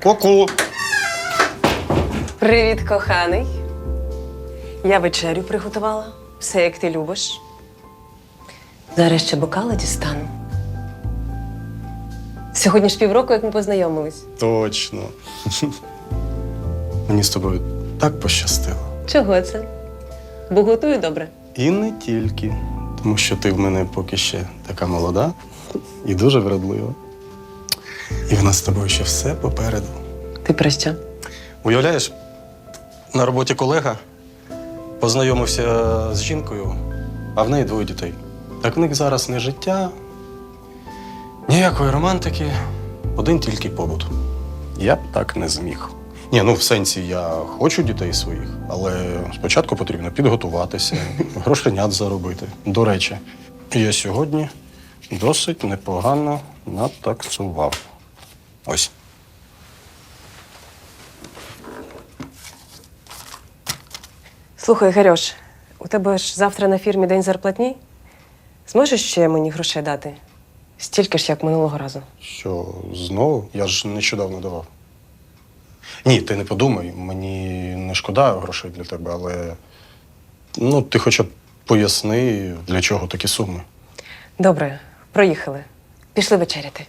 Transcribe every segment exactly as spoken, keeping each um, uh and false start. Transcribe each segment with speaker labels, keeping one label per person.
Speaker 1: Ку-ку!
Speaker 2: Привіт, коханий. Я вечерю приготувала. Все, як ти любиш. Зараз ще бокали дістану. Сьогодні ж півроку, як ми познайомились.
Speaker 1: Точно. Мені з тобою так пощастило.
Speaker 2: Чого це? Бо готую добре.
Speaker 1: І не тільки. Тому що ти в мене поки ще така молода і дуже вродлива. І в нас з тобою ще все попереду.
Speaker 2: Ти про що?
Speaker 1: Уявляєш, на роботі колега познайомився з жінкою, а в неї двоє дітей. Так в них зараз не життя, ніякої романтики, один тільки побут. Я б так не зміг. Ні, ну в сенсі я хочу дітей своїх, але спочатку потрібно підготуватися, грошенят заробити. До речі, я сьогодні досить непогано натаксував. Ось.
Speaker 2: Слухай, Гарьош, у тебе ж завтра на фірмі день зарплатні? Зможеш ще мені грошей дати? Стільки ж, як минулого разу.
Speaker 1: Що, знову? Я ж нещодавно давав. Ні, ти не подумай, мені не шкода грошей для тебе, але ну, ти хоча б поясни, для чого такі суми.
Speaker 2: Добре, проїхали. Пішли вечеряти.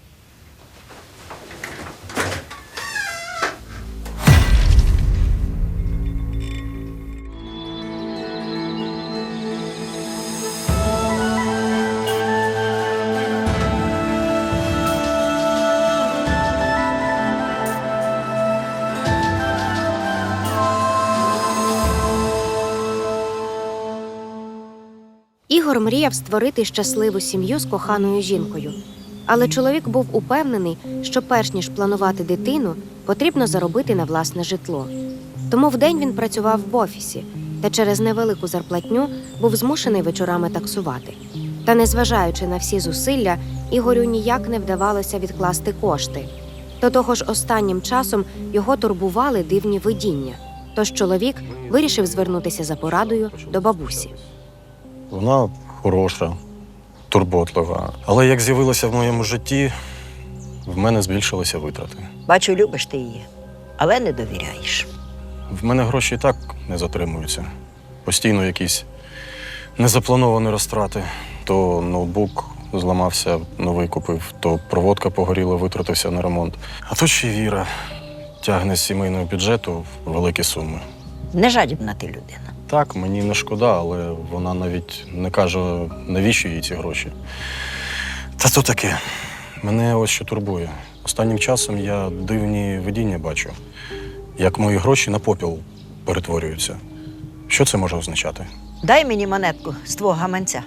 Speaker 3: Ігор мріяв створити щасливу сім'ю з коханою жінкою. Але чоловік був упевнений, що перш ніж планувати дитину, потрібно заробити на власне житло. Тому вдень він працював в офісі, та через невелику зарплатню був змушений вечорами таксувати. Та незважаючи на всі зусилля, Ігорю ніяк не вдавалося відкласти кошти. До того ж, останнім часом його турбували дивні видіння. Тож чоловік вирішив звернутися за порадою до бабусі.
Speaker 1: Вона хороша, турботлива. Але як з'явилася в моєму житті, в мене збільшилися витрати.
Speaker 4: Бачу, любиш ти її, але не довіряєш.
Speaker 1: В мене гроші і так не затримуються. Постійно якісь незаплановані розтрати. То ноутбук зламався, новий купив, то проводка погоріла, витратився на ремонт. А то ще Віра тягне з сімейного бюджету великі суми.
Speaker 4: Нежадібна ти людина.
Speaker 1: Так, мені не шкода, але вона навіть не каже, навіщо їй ці гроші. Та то таке. Мене ось що турбує. Останнім часом я дивні видіння бачу, як мої гроші на попіл перетворюються. Що це може означати?
Speaker 4: Дай мені монетку з твого гаманця.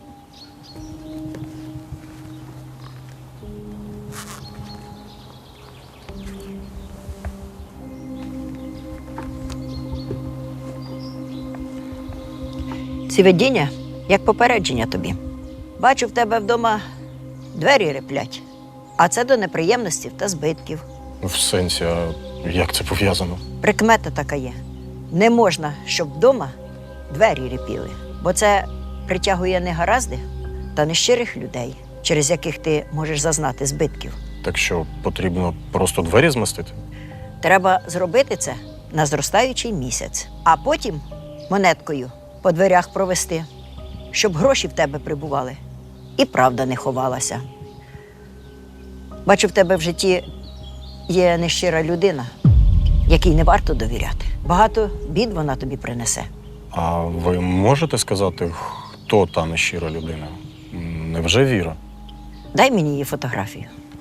Speaker 4: Ці видіння, як попередження тобі. Бачу, в тебе вдома двері реплять, а це до неприємностей та збитків.
Speaker 1: В сенсі, а як це пов'язано?
Speaker 4: Прикмета така є. Не можна, щоб вдома двері репіли, бо це притягує негаразди та нещирих людей, через яких ти можеш зазнати збитків.
Speaker 1: Так що, потрібно просто двері змастити?
Speaker 4: Треба зробити це на зростаючий місяць, а потім монеткою по дверях провести, щоб гроші в тебе прибували і правда не ховалася. Бачу, в тебе в житті є нещира людина, якій не варто довіряти. Багато бід вона тобі принесе.
Speaker 1: А ви можете сказати, хто та нещира людина? Невже Віра?
Speaker 4: Дай мені її фотографію.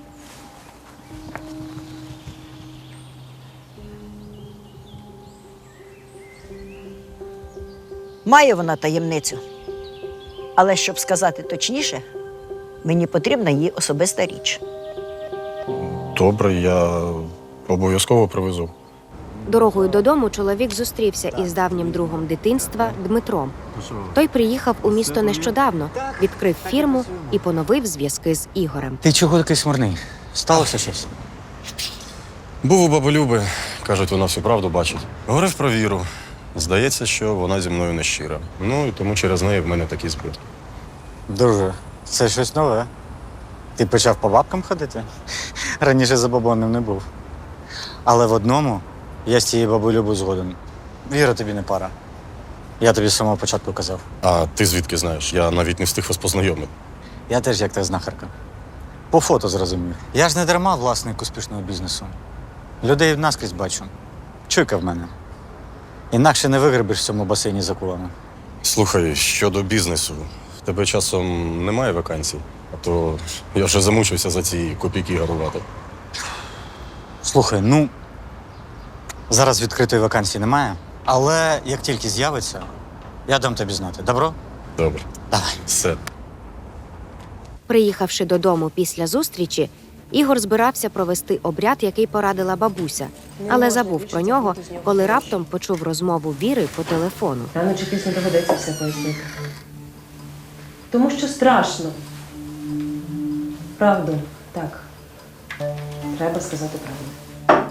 Speaker 4: Має вона таємницю. Але щоб сказати точніше, мені потрібна її особиста річ.
Speaker 1: Добре, я обов'язково привезу.
Speaker 3: Дорогою додому чоловік зустрівся із давнім другом дитинства Дмитром. Той приїхав у місто нещодавно, відкрив фірму і поновив зв'язки з Ігорем.
Speaker 5: Ти чого такий смурний? Сталося щось?
Speaker 1: Був у баби Люби. Кажуть, вона всю правду бачить. Говорив про Віру. Здається, що вона зі мною нещира. Ну, і тому через неї в мене такі збитки.
Speaker 5: Дуже. Це щось нове. Ти почав по бабкам ходити? Раніше забобонним не був. Але в одному я з цією бабулею був згоден. Віра тобі не пара. Я тобі з самого початку казав.
Speaker 1: А ти звідки знаєш? Я навіть не встиг вас познайомити.
Speaker 5: Я теж як та знахарка. По фото зрозумів. Я ж не дарма власник успішного бізнесу. Людей наскрізь бачу. Чуйка в мене. Інакше не вигребеш в цьому басейні за кулами.
Speaker 1: Слухай, щодо бізнесу, в тебе часом немає вакансій? А то я вже замучився за ці копійки гарувати.
Speaker 5: Слухай, ну зараз відкритої вакансії немає, але як тільки з'явиться, я дам тобі знати. Добро?
Speaker 1: Добре.
Speaker 5: Давай.
Speaker 1: Все.
Speaker 3: Приїхавши додому після зустрічі, Ігор збирався провести обряд, який порадила бабуся, але забув про нього, коли раптом почув розмову Віри по телефону.
Speaker 2: Рано чи пізно доведеться все пояснити. Тому що страшно. Правду, так. Треба сказати правду.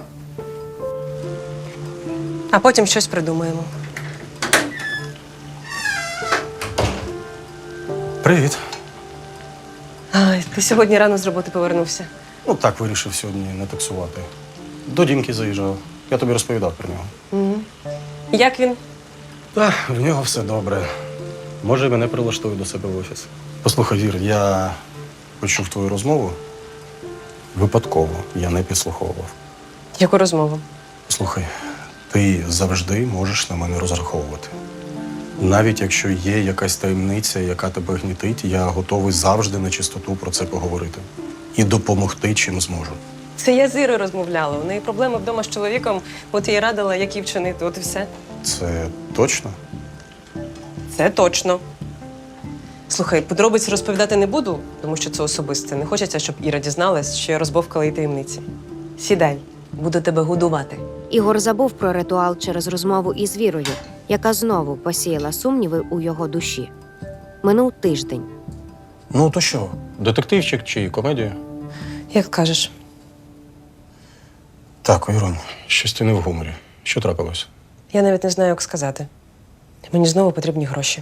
Speaker 2: А потім щось придумаємо.
Speaker 1: Привіт.
Speaker 2: Ай, ти сьогодні рано з роботи повернувся.
Speaker 1: Ну так вирішив сьогодні не таксувати. До Дімки заїжджав. Я тобі розповідав про нього.
Speaker 2: Угу. Як він?
Speaker 1: Та, в нього все добре. Може, мене прилаштують до себе в офіс. Послухай, Вір, я почув твою розмову. Випадково, я не підслуховував.
Speaker 2: Яку розмову?
Speaker 1: Слухай, ти завжди можеш на мене розраховувати. Навіть якщо є якась таємниця, яка тебе гнітить, я готовий завжди на чистоту про це поговорити. І допомогти, чим зможу.
Speaker 2: Це я з Ірою розмовляла. У неї проблеми вдома з чоловіком, от я їй радила, як її вчинити, от і все.
Speaker 1: Це точно?
Speaker 2: Це точно. Слухай, подробиць розповідати не буду, тому що це особисте. Не хочеться, щоб Іра дізналась, що я розбовкала її таємниці. Сідай, буду тебе годувати.
Speaker 3: Ігор забув про ритуал через розмову із Вірою, яка знову посіяла сумніви у його душі. Минув тиждень.
Speaker 1: Ну то що, детективчик чи комедія?
Speaker 2: Як кажеш.
Speaker 1: Так, Ірон, щось ти не в гуморі. Що трапилось?
Speaker 2: Я навіть не знаю, як сказати. Мені знову потрібні гроші.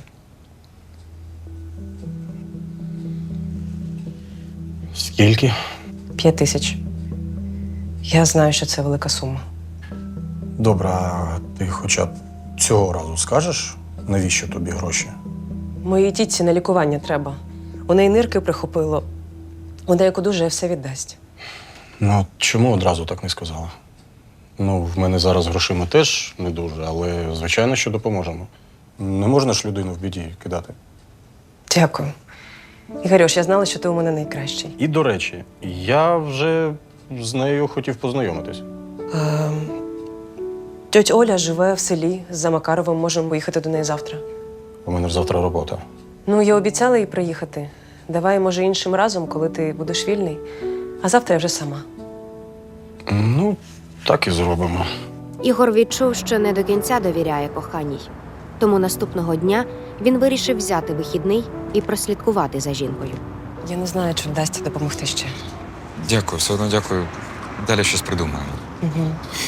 Speaker 1: Скільки?
Speaker 2: П'ять тисяч. Я знаю, що це велика сума.
Speaker 1: Добре, а ти хоча б цього разу скажеш, навіщо тобі гроші?
Speaker 2: Моїй тітці на лікування треба. У неї нирки прихопило. Вона як одужає, все віддасть.
Speaker 1: Ну, чому одразу так не сказала? Ну, в мене зараз грошима теж не дуже, але звичайно, що допоможемо. Не можна ж людину в біді кидати.
Speaker 2: Дякую. Ігорюш, я знала, що ти у мене найкращий.
Speaker 1: І, до речі, я вже з нею хотів познайомитись.
Speaker 2: Ем, Тьоть Оля живе в селі за Макаровим. Можемо поїхати до неї завтра.
Speaker 1: У мене ж завтра робота.
Speaker 2: Ну, я обіцяла їй приїхати. Давай, може, іншим разом, коли ти будеш вільний. А завтра я вже сама.
Speaker 1: Ну, так і зробимо.
Speaker 3: Ігор відчув, що не до кінця довіряє коханій. Тому наступного дня він вирішив взяти вихідний і прослідкувати за жінкою.
Speaker 2: Я не знаю, чи вдасться допомогти ще.
Speaker 6: Дякую, все одно дякую. Далі щось придумаємо.
Speaker 2: Угу.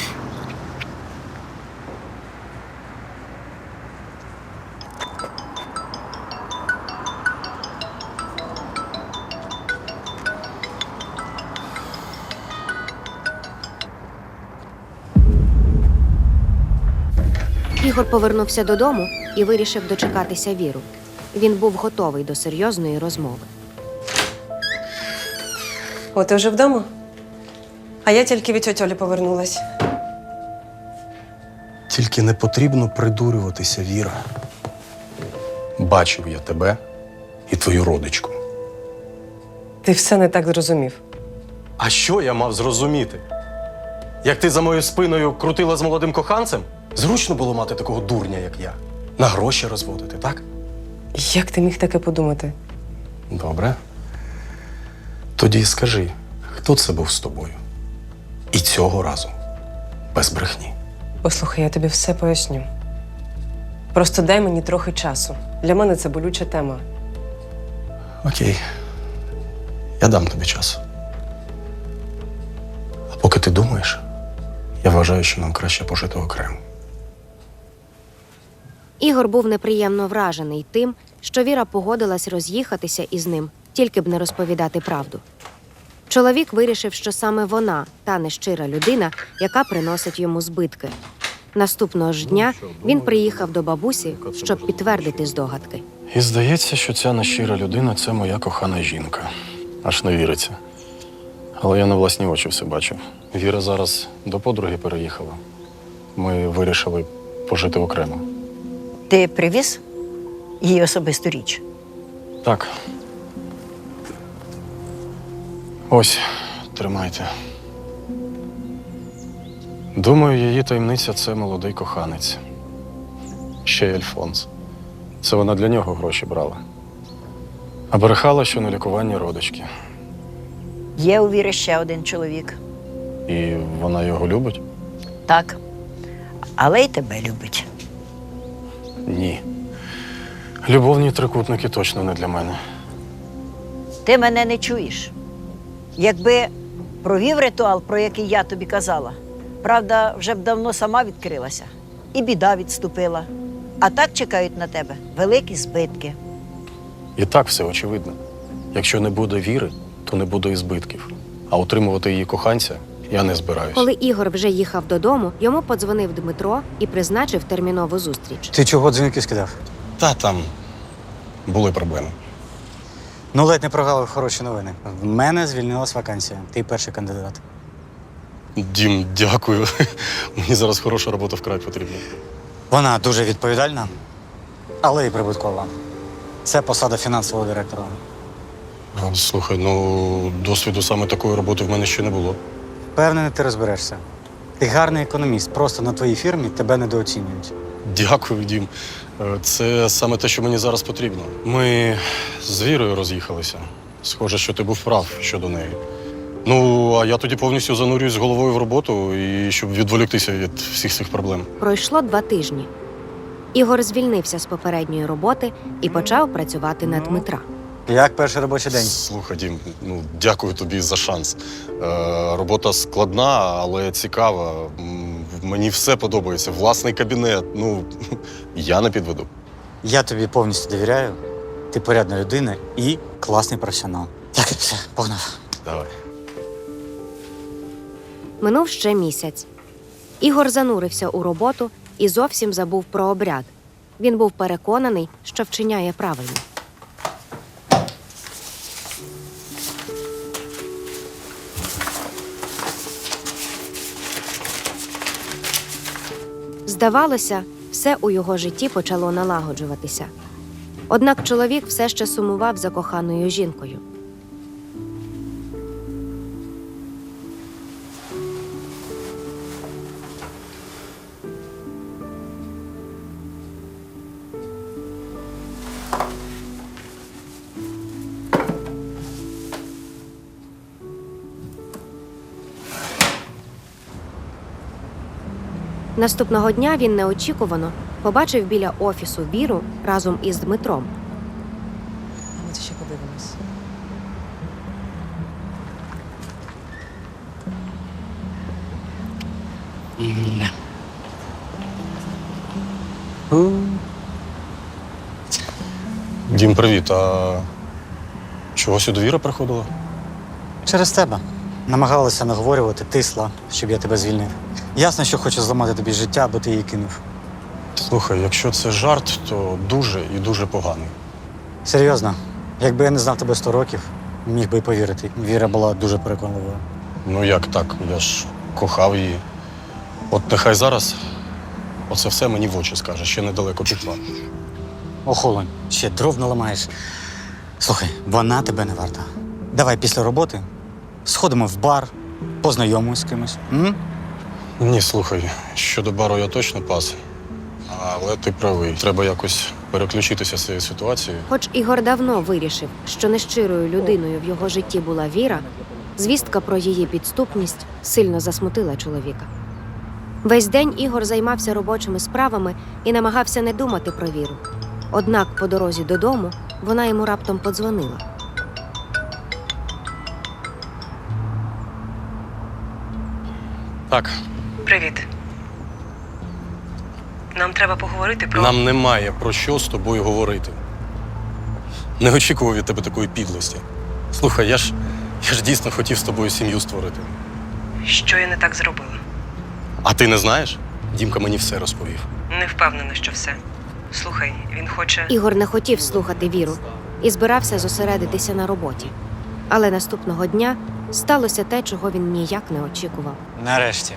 Speaker 3: Ігор повернувся додому і вирішив дочекатися Віру. Він був готовий до серйозної розмови.
Speaker 2: О, ти вже вдома? А я тільки від тьоті Олі повернулась.
Speaker 1: Тільки не потрібно придурюватися, Віра. Бачив я тебе і твою родичку.
Speaker 2: Ти все не так зрозумів.
Speaker 1: А що я мав зрозуміти? Як ти за моєю спиною крутила з молодим коханцем? Зручно було мати такого дурня, як я. На гроші розводити, так?
Speaker 2: Як ти міг таке подумати?
Speaker 1: Добре. Тоді скажи, хто це був з тобою? І цього разу без брехні.
Speaker 2: Послухай, я тобі все поясню. Просто дай мені трохи часу. Для мене це болюча тема.
Speaker 1: Окей. Я дам тобі час. А поки ти думаєш, я вважаю, що нам краще пожити окремо.
Speaker 3: Ігор був неприємно вражений тим, що Віра погодилась роз'їхатися із ним, тільки б не розповідати правду. Чоловік вирішив, що саме вона та нещира людина, яка приносить йому збитки. Наступного ж дня він приїхав до бабусі, щоб підтвердити здогадки.
Speaker 1: І здається, що ця нещира людина це моя кохана жінка. Аж не віриться. Але я на власні очі все бачив. Віра зараз до подруги переїхала. Ми вирішили пожити окремо.
Speaker 4: Ти привіз її особисту річ?
Speaker 1: Так. Ось, тримайте. Думаю, її таємниця це молодий коханець. Ще й Альфонс. Це вона для нього гроші брала. А брехала, що на лікування родички.
Speaker 4: Є у Віри ще один чоловік.
Speaker 1: І вона його любить?
Speaker 4: Так. Але й тебе любить.
Speaker 1: Ні. Любовні трикутники точно не для мене.
Speaker 4: Ти мене не чуєш. Якби провів ритуал, про який я тобі казала, правда, вже б давно сама відкрилася. І біда відступила. А так чекають на тебе великі збитки.
Speaker 1: І так все очевидно. Якщо не буде віри, то не буде і збитків. А утримувати її коханця я не збираюсь.
Speaker 3: Коли Ігор вже їхав додому, йому подзвонив Дмитро і призначив термінову зустріч.
Speaker 5: Ти чого дзвінки скидав?
Speaker 1: Та там були проблеми.
Speaker 5: Ну, ледь не прогавив хороші новини. В мене звільнилась вакансія. Ти перший кандидат.
Speaker 1: Дім, дякую. Мені зараз хороша робота вкрай потрібна.
Speaker 5: Вона дуже відповідальна, але й прибуткова. Це посада фінансового директора.
Speaker 1: А, Слухай, ну досвіду саме такої роботи в мене ще не було.
Speaker 5: Впевнений, ти розберешся. Ти гарний економіст, просто на твоїй фірмі тебе недооцінюють.
Speaker 1: Дякую, Дім. Е, Це саме те, що мені зараз потрібно. Ми з Вірою роз'їхалися. Схоже, що ти був прав щодо неї. Ну, а я тоді повністю занурююсь головою в роботу, і щоб відволіктися від всіх цих проблем.
Speaker 3: Пройшло два тижні. Ігор звільнився з попередньої роботи і почав працювати на Дмитра.
Speaker 5: Як перший робочий день?
Speaker 1: Слухай, Дім, ну дякую тобі за шанс. Е, робота складна, але цікава. М, Мені все подобається. Власний кабінет. Ну, я не підведу.
Speaker 5: Я тобі повністю довіряю. Ти порядна людина і класний професіонал. Так, все, погнав.
Speaker 1: Давай.
Speaker 3: Минув ще місяць. Ігор занурився у роботу і зовсім забув про обряд. Він був переконаний, що вчиняє правильно. Здавалося, все у його житті почало налагоджуватися. Однак чоловік все ще сумував за коханою жінкою. Наступного дня він неочікувано побачив біля офісу Віру разом із Дмитром.
Speaker 2: Ми це ще подивимось.
Speaker 1: Дім, привіт. А чого сюди Віра приходила?
Speaker 5: Через тебе. Намагалася наговорювати, тисла, щоб я тебе звільнив. Ясно, що хоче зламати тобі життя, аби ти її кинув.
Speaker 1: Слухай, якщо це жарт, то дуже і дуже поганий.
Speaker 5: Серйозно, якби я не знав тебе сто років, міг би й повірити. Віра була дуже переконливою.
Speaker 1: Ну як так? Я ж кохав її. От нехай зараз оце все мені в очі скаже, ще недалеко пішла.
Speaker 5: Охолонь, ще дров наламаєш. Слухай, вона тебе не варта. Давай після роботи сходимо в бар, познайомимось з кимось. М?
Speaker 1: Ні, слухай, щодо бару я точно пас. Але ти правий. Треба якось переключитися з цієї ситуації.
Speaker 3: Хоч Ігор давно вирішив, що нещирою людиною в його житті була Віра, звістка про її підступність сильно засмутила чоловіка. Весь день Ігор займався робочими справами і намагався не думати про Віру. Однак по дорозі додому вона йому раптом подзвонила.
Speaker 1: Так,
Speaker 2: Привіт. Нам треба поговорити про.
Speaker 1: нам немає про що з тобою говорити. Не очікував від тебе такої підлості. Слухай, я ж Я ж дійсно хотів з тобою сім'ю створити.
Speaker 2: Що я не так зробила?
Speaker 1: А ти не знаєш? Дімка мені все розповів.
Speaker 2: Не впевнена, що все. Слухай, він хоче.
Speaker 3: Ігор не хотів слухати Віру і збирався зосередитися на роботі. Але наступного дня сталося те, чого він ніяк не очікував.
Speaker 5: Нарешті.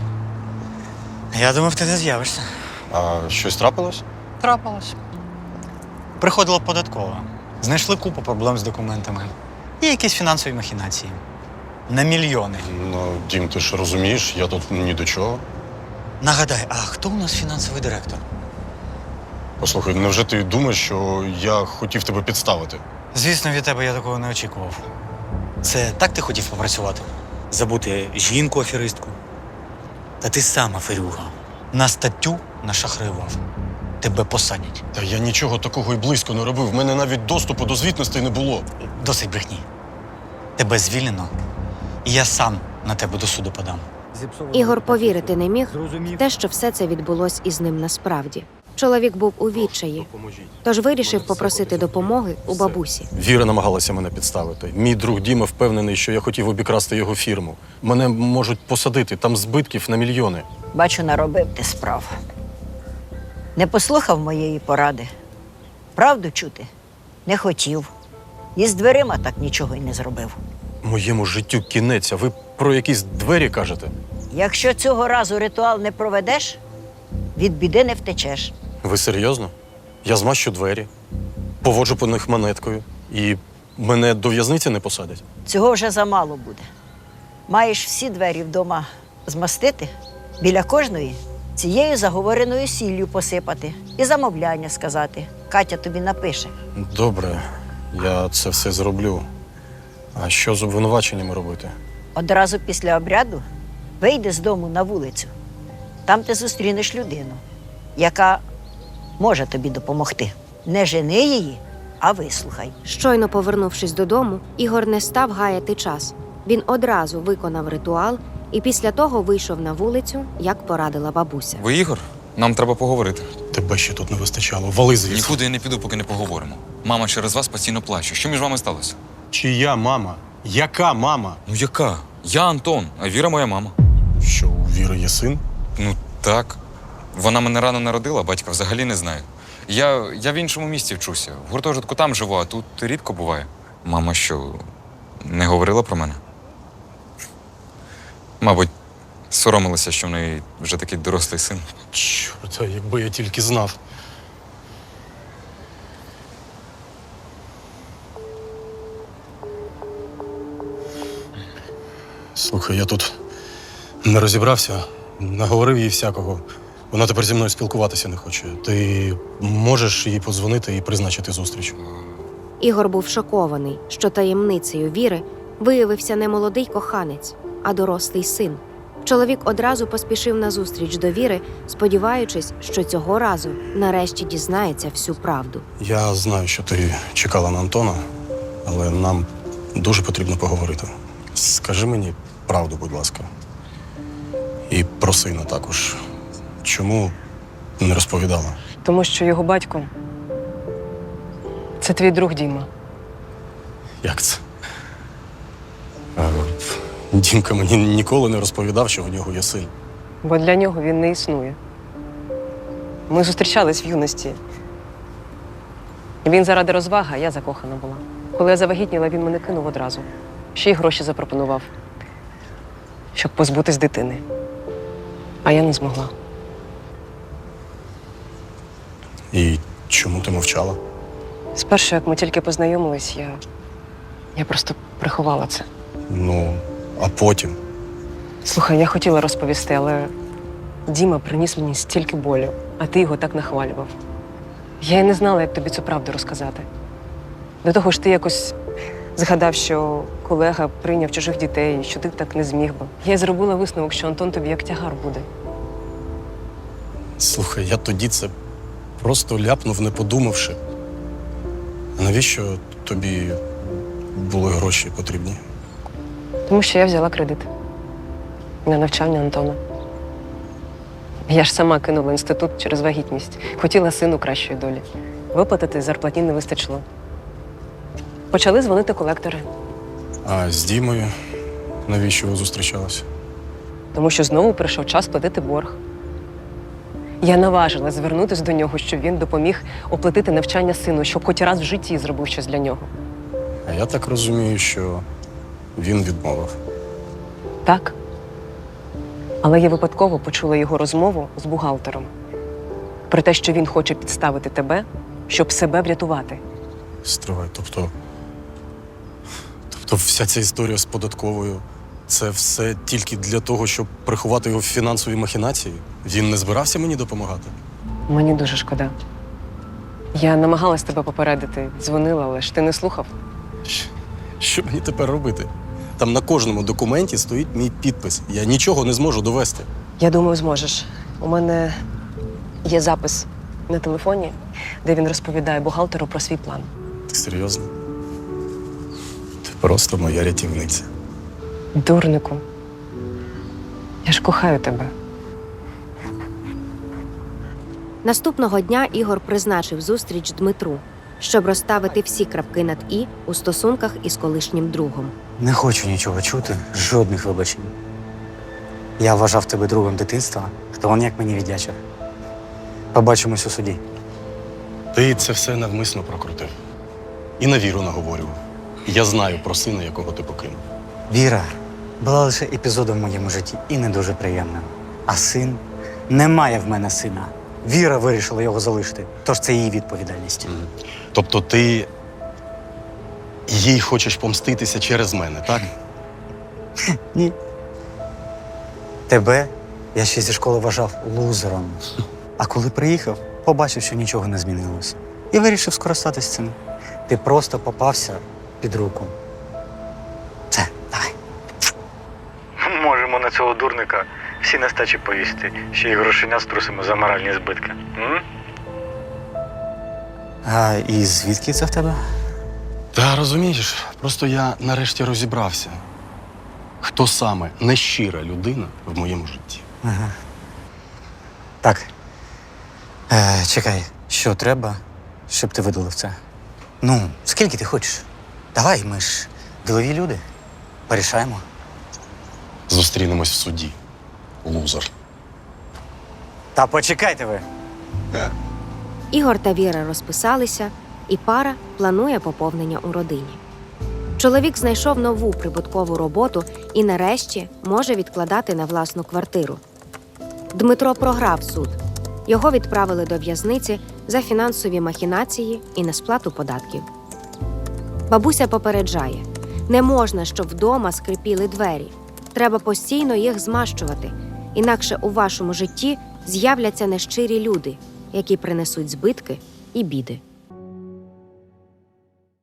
Speaker 5: Я думав, ти не з'явишся.
Speaker 1: А щось трапилось?
Speaker 5: Трапилось. Приходила податкова. Знайшли купу проблем з документами. І якісь фінансові махінації. На мільйони.
Speaker 1: Ну, Дім, ти ж розумієш, я тут ні до чого.
Speaker 5: Нагадай, а хто у нас фінансовий директор?
Speaker 1: Послухай, невже ти думаєш, що я хотів тебе підставити?
Speaker 5: Звісно, від тебе я такого не очікував. Це так ти хотів попрацювати? Забути жінку-аферистку? Та ти сам аферюга. На статтю нашахраював. Тебе посадять.
Speaker 1: Та я нічого такого і близько не робив. В мене навіть доступу до звітностей не було.
Speaker 5: Досить брехні. Тебе звільнено, і я сам на тебе до суду подам.
Speaker 3: Ігор повірити не міг в те, що все це відбулось із ним насправді. Чоловік був у відчаї, тож вирішив попросити допомоги у бабусі.
Speaker 1: Віра намагалася мене підставити. Мій друг Діма впевнений, що я хотів обікрасти його фірму. Мене можуть посадити, там збитків на мільйони.
Speaker 4: Бачу, наробив ти справ. Не послухав моєї поради. Правду чути не хотів. І з дверима так нічого й не зробив.
Speaker 1: Моєму життю кінець, а ви про якісь двері кажете?
Speaker 4: Якщо цього разу ритуал не проведеш, від біди не втечеш.
Speaker 1: Ви серйозно? Я змащу двері, поводжу по них монеткою і мене до в'язниці не посадять?
Speaker 4: Цього вже замало буде. Маєш всі двері вдома змастити, біля кожної цією заговореною сіллю посипати і замовляння сказати. Катя тобі напише.
Speaker 1: Добре, я це все зроблю. А що з обвинуваченнями робити?
Speaker 4: Одразу після обряду вийди з дому на вулицю. Там ти зустрінеш людину, яка може тобі допомогти. Не жени її, а вислухай.
Speaker 3: Щойно повернувшись додому, Ігор не став гаяти час. Він одразу виконав ритуал і після того вийшов на вулицю, як порадила бабуся.
Speaker 6: Ви Ігор? Нам треба поговорити.
Speaker 1: Тебе ще тут не вистачало. Вали звідси.
Speaker 6: Нікуди я не піду, поки не поговоримо. Мама через вас постійно плаче. Що між вами сталося?
Speaker 1: Чия мама? Яка мама?
Speaker 6: Ну яка? Я Антон, а Віра моя мама.
Speaker 1: Що, у Віри є син?
Speaker 6: Ну так. Вона мене рано народила, батька взагалі не знаю. Я, я в іншому місті вчуся. В гуртожитку там живу, а тут рідко буває. Мама що, не говорила про мене? Мабуть, соромилася, що в неї вже такий дорослий син.
Speaker 1: Чорта, якби я тільки знав. Слухай, я тут не розібрався, наговорив їй всякого. Вона тепер зі мною спілкуватися не хоче. Ти можеш їй подзвонити і призначити зустріч?
Speaker 3: Ігор був шокований, що таємницею Віри виявився не молодий коханець, а дорослий син. Чоловік одразу поспішив на зустріч до Віри, сподіваючись, що цього разу нарешті дізнається всю правду.
Speaker 1: Я знаю, що ти чекала на Антона, але нам дуже потрібно поговорити. Скажи мені правду, будь ласка. І про сина також. Чому не розповідала?
Speaker 2: Тому що його батько це твій друг Діма.
Speaker 1: Як це? А, Дімка мені ніколи не розповідав, що в нього є син.
Speaker 2: Бо для нього він не існує. Ми зустрічались в юності. Він заради розваги, а я закохана була. Коли я завагітніла, він мене кинув одразу. Ще й гроші запропонував, щоб позбутись дитини. А я не змогла.
Speaker 1: І чому ти мовчала?
Speaker 2: Спершу, як ми тільки познайомились, я, я просто приховала це.
Speaker 1: Ну, а потім.
Speaker 2: Слухай, я хотіла розповісти, але Діма приніс мені стільки болю, а ти його так нахвалював. Я й не знала, як тобі цю правду розказати. До того ж, ти якось згадав, що колега прийняв чужих дітей, що ти так не зміг би. Я й зробила висновок, що Антон тобі як тягар буде.
Speaker 1: Слухай, я тоді це просто ляпнув, не подумавши. А навіщо тобі були гроші потрібні?
Speaker 2: Тому що я взяла кредит на навчання Антона. Я ж сама кинула інститут через вагітність. Хотіла сину кращої долі. Виплатити зарплатні не вистачило. Почали дзвонити колектори.
Speaker 1: А з Дімою навіщо ви зустрічалися?
Speaker 2: Тому що знову прийшов час платити борг. Я наважилась звернутися до нього, щоб він допоміг оплатити навчання сину, щоб хоч раз в житті зробив щось для нього.
Speaker 1: А я так розумію, що він відмовив.
Speaker 2: Так. Але я випадково почула його розмову з бухгалтером про те, що він хоче підставити тебе, щоб себе врятувати.
Speaker 1: Стривай, тобто. Тобто вся ця історія з податковою це все тільки для того, щоб приховати його фінансові махінації? Він не збирався мені допомагати?
Speaker 2: Мені дуже шкода. Я намагалась тебе попередити, дзвонила, але ж ти не слухав.
Speaker 1: Щ- Що мені тепер робити? Там на кожному документі стоїть мій підпис. Я нічого не зможу довести.
Speaker 2: Я думаю, зможеш. У мене є запис на телефоні, де він розповідає бухгалтеру про свій план.
Speaker 1: Ти серйозно? Ти просто моя рятівниця.
Speaker 2: Дурнику, я ж кохаю тебе.
Speaker 3: Наступного дня Ігор призначив зустріч Дмитру, щоб розставити всі крапки над «і» у стосунках із колишнім другом.
Speaker 5: Не хочу нічого чути, жодних вибачень. Я вважав тебе другом дитинства, хто он як мені віддячив. Побачимось у суді.
Speaker 1: Ти це все навмисно прокрутив. І на віру наговорював. Я знаю про сина, якого ти покинув.
Speaker 5: Віра була лише епізодом в моєму житті і не дуже приємним. А син? Немає в мене сина. Віра вирішила його залишити, тож це її відповідальність.
Speaker 1: Тобто ти їй хочеш помститися через мене, так?
Speaker 5: Ні. Тебе я ще зі школи вважав лузером. А коли приїхав, побачив, що нічого не змінилося. І вирішив скористатись цим. Ти просто попався під руку. Все, давай. Можемо на цього дурника всі нестачі повісити, ще й грошеня струсимо за моральні збитки. М? А і звідки це в тебе?
Speaker 1: Та розумієш, просто я нарешті розібрався, хто саме нещира людина в моєму житті.
Speaker 5: Ага. Так. Е, чекай, що треба, щоб ти видалив це? Ну, скільки ти хочеш? Давай, ми ж ділові люди. Порішаємо.
Speaker 1: Зустрінемось в суді. Лузер.
Speaker 5: Та почекайте ви.
Speaker 3: Ігор та Віра розписалися, і пара планує поповнення у родині. Чоловік знайшов нову прибуткову роботу і нарешті може відкладати на власну квартиру. Дмитро програв суд. Його відправили до в'язниці за фінансові махінації і несплату податків. Бабуся попереджає: не можна, щоб вдома скрипіли двері. Треба постійно їх змащувати, інакше у вашому житті з'являться нещирі люди, які принесуть збитки і біди.